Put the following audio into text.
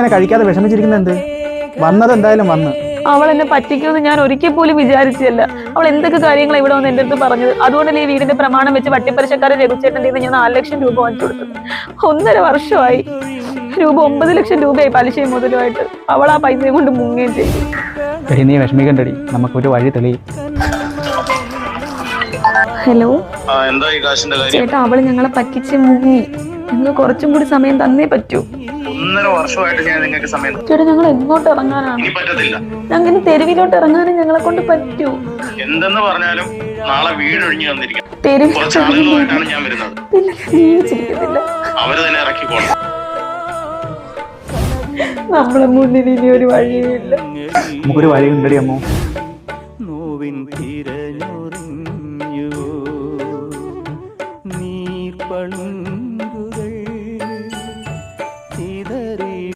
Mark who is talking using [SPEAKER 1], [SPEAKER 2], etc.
[SPEAKER 1] ഇങ്ങനെ കഴിക്കാതെ വിഷമിച്ചിരിക്കുന്ന എന്ത്? വന്നത് എന്തായാലും വന്ന്.
[SPEAKER 2] അവൾ എന്നെ പറ്റിക്കുമെന്ന് ഞാൻ ഒരിക്കൽ പോലും വിചാരിച്ചല്ല. അവൾ എന്തൊക്കെ കാര്യങ്ങൾ ഇവിടെ വന്ന് എന്റെ അടുത്ത് പറഞ്ഞത്. അതുകൊണ്ടല്ലേ ഈ വീടിന്റെ പ്രമാണം വെച്ച് വട്ടിപ്പലിശക്കാരൻ രഘുചേട്ടൻ്റെ ഞാൻ 4 ലക്ഷം രൂപ വാങ്ങിച്ചു കൊടുത്തത്. 1.5 വർഷമായി. 9 ലക്ഷം രൂപയായി പലിശയും മുതലുമായിട്ട്. അവൾ ആ പൈസയും കൊണ്ട് മുങ്ങുകയും ചെയ്തു.
[SPEAKER 1] എടി നീ വിഷമിക്കണ്ടടി, നമുക്കൊരു വഴി തെളിയും.
[SPEAKER 2] ഹലോ ചേട്ടാ, അവള് ഞങ്ങളെ പറ്റിച്ച് മുങ്ങി. നിങ്ങൾ കുറച്ചും കൂടി സമയം തന്നേ പറ്റൂ.
[SPEAKER 3] 1.5 വർഷമായിട്ട് ഞാൻ നിങ്ങൾക്ക് സമയം
[SPEAKER 2] ചേട്ടാ, ഞങ്ങൾ എങ്ങോട്ട് ഇറങ്ങാനാണ്? ഞങ്ങൾ തെരുവിലോട്ട് ഇറങ്ങാനും ഞങ്ങളെ കൊണ്ട് പറ്റൂ.
[SPEAKER 3] എന്തെന്ന് പറഞ്ഞാലും നാളെ വീട് ഒഴിഞ്ഞു തന്നിരിക്കും.
[SPEAKER 2] തെരുവിലോട്ടാണ്
[SPEAKER 3] ഞാൻ വരുന്നത്.
[SPEAKER 2] ജീവിച്ചിരിക്കത്തില്ല.
[SPEAKER 3] അവര് തന്നെ ഇറക്കിക്കോളും.
[SPEAKER 2] നമ്മളെ മുന്നിൽ ഇനി ഒരു വഴിയില്ല.
[SPEAKER 1] നമുക്കൊരു വഴി ഉണ്ടടി അമ്മോ.